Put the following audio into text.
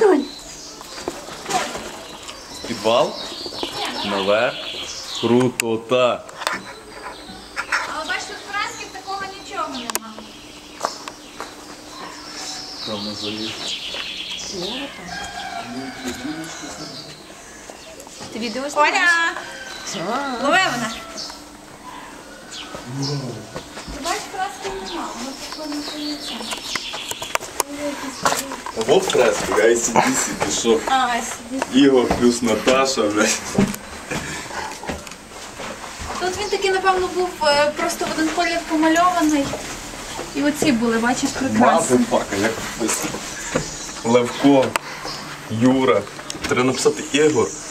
Підвал? Наверх. Крутота. Але бачите, в Франків такого нічого нема. Там на заліз. Ти відео Оля! Лови мене. Ти бачиш, Франків нема, воно такого не поїться. Або фрески, ICDC, ти що? Ігор плюс Наташа, блядь. Тут він такий, напевно, був просто в один колір помальований. І оці були, бачиш, прикраси. Мазафака, як написано. Левко, Юра. Треба написати Ігор